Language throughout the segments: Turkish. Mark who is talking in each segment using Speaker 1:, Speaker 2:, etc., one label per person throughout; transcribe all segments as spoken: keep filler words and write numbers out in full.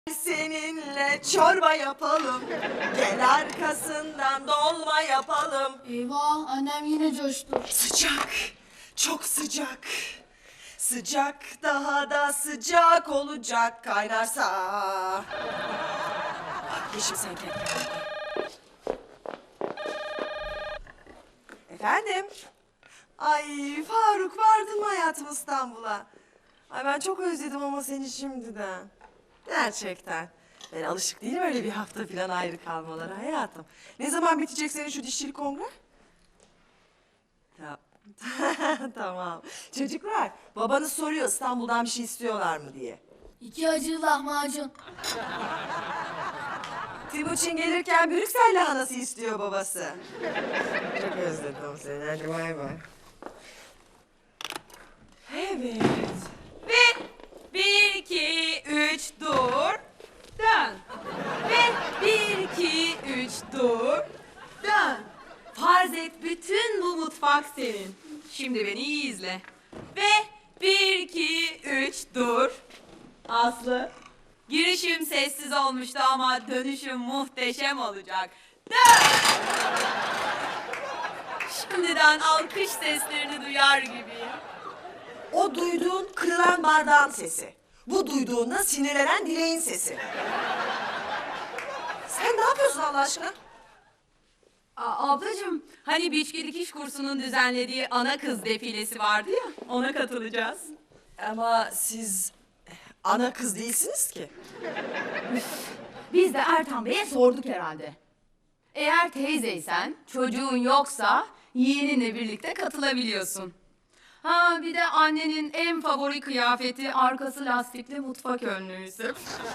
Speaker 1: Seninle çorba yapalım, gel arkasından dolma yapalım.
Speaker 2: Eyvah, annem yine coştu.
Speaker 1: Sıcak, çok sıcak. Sıcak daha da sıcak olacak kaynarsa. Yeşim sen kendine. Efendim? Ay Faruk, vardın mı hayatım İstanbul'a? Ay ben çok özledim ama seni şimdiden. Gerçekten. Ben alışık değilim öyle bir hafta falan ayrı kalmalara hayatım. Ne zaman bitecek senin şu dişçilik kongre? Ya. Tamam. Çocuklar, babanız soruyor İstanbul'dan bir şey istiyorlar mı diye.
Speaker 2: İki acılı lahmacun.
Speaker 1: Timuçin gelirken Brüksel lahanası istiyor babası. Çok özledim seni. Hadi bay bay. Evet.
Speaker 3: Ve bir, iki, üç, dur, dön. Ve bir, iki, üç, dur, dön. Farz et bütün bu mutfak senin. Şimdi beni iyi izle. Ve bir, iki, üç, dur. Aslı, girişim sessiz olmuştu ama dönüşüm muhteşem olacak. Dön! Şimdiden alkış seslerini duyar gibiyim.
Speaker 1: O duyduğun kırılan bardağın sesi. Bu duyduğunda sinirlenen dileğin sesi. Sen ne yapıyorsun Allah aşkına?
Speaker 3: Aa, ablacığım, hani Biçki Dikiş kursunun düzenlediği ana kız defilesi vardı ya, ona katılacağız.
Speaker 1: Ama siz ana kız değilsiniz ki.
Speaker 3: Biz de Ertan Bey'e sorduk herhalde. Eğer teyzeysen, çocuğun yoksa yeğeninle birlikte katılabiliyorsun. Ha bir de annenin en favori kıyafeti arkası lastikli mutfak önlüğüsü.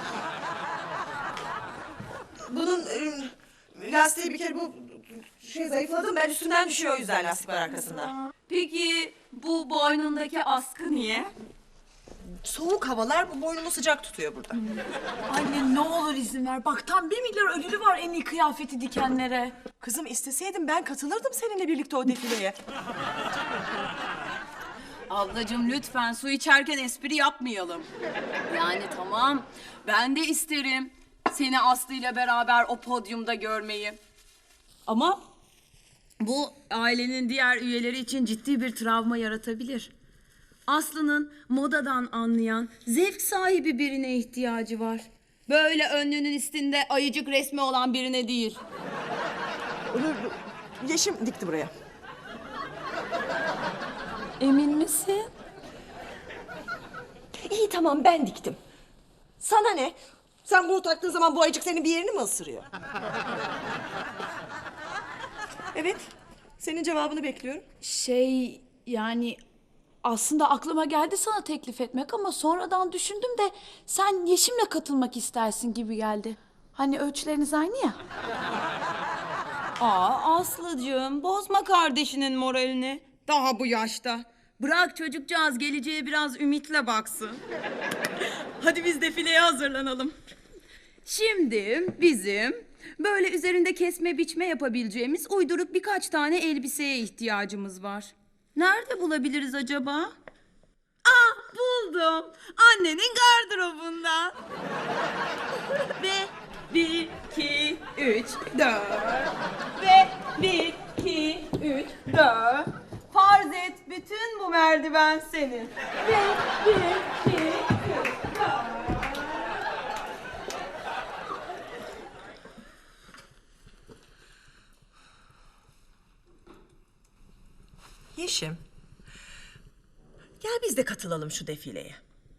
Speaker 1: Bunun e, lastiği bir kere bu şey zayıfladım, ben üstünden düşüyor o yüzden lastik var arkasında.
Speaker 3: Peki bu boynundaki askı niye?
Speaker 1: Soğuk havalar bu boynumu sıcak tutuyor burada.
Speaker 4: Anne ne olur izin ver. Bak tam bir milyar ödülü var en iyi kıyafeti dikenlere.
Speaker 1: Kızım isteseydim ben katılırdım seninle birlikte o defileye.
Speaker 5: Ablacığım lütfen su içerken espri yapmayalım. Yani tamam ben de isterim seni Aslı ile beraber o podyumda görmeyi. Ama bu ailenin diğer üyeleri için ciddi bir travma yaratabilir. Aslı'nın modadan anlayan, zevk sahibi birine ihtiyacı var. Böyle önlüğünün üstünde ayıcık resmi olan birine değil.
Speaker 1: Yeşim dikti buraya.
Speaker 5: Emin misin?
Speaker 1: İyi tamam ben diktim. Sana ne? Sen bunu taktığın zaman bu ayıcık senin bir yerini mi ısırıyor? Evet. Senin cevabını bekliyorum.
Speaker 4: Şey yani aslında aklıma geldi sana teklif etmek ama sonradan düşündüm de sen Yeşim'le katılmak istersin gibi geldi. Hani ölçüleriniz aynı ya.
Speaker 5: Aa Aslıcığım bozma kardeşinin moralini. Daha bu yaşta. Bırak çocukcağız geleceğe biraz ümitle baksın. Hadi biz defileye hazırlanalım. Şimdi bizim böyle üzerinde kesme biçme yapabileceğimiz uyduruk birkaç tane elbiseye ihtiyacımız var. Nerede bulabiliriz acaba? Ah buldum. Annenin gardırobundan. Ve bir, iki, üç, dört. Ve bir, iki, üç, dört. Farz et bütün bu merdiven senin. Ve bir, iki, üç, dört.
Speaker 1: Yeşim. Gel biz de katılalım şu defileye.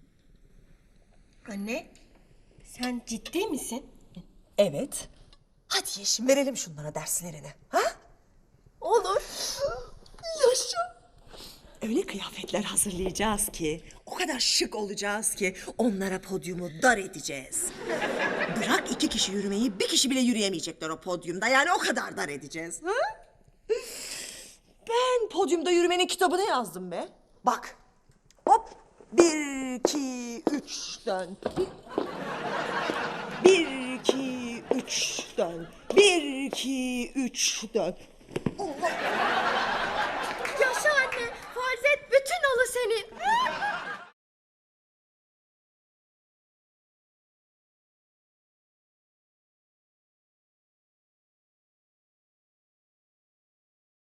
Speaker 6: Anne, sen ciddi misin?
Speaker 1: Evet. Hadi Yeşim verelim şunlara derslerini. Ha?
Speaker 6: Olur.
Speaker 1: Yaşa. Öyle kıyafetler hazırlayacağız ki, o kadar şık olacağız ki onlara podyumu dar edeceğiz. Bırak iki kişi yürümeyi, bir kişi bile yürüyemeyecekler o podyumda. Yani o kadar dar edeceğiz. Ha? Ben podyumda yürümenin kitabını yazdım be. Bak. Hop. Bir, iki, üç, dön. Bir, iki, üç, dön. Bir, iki, üç, dön.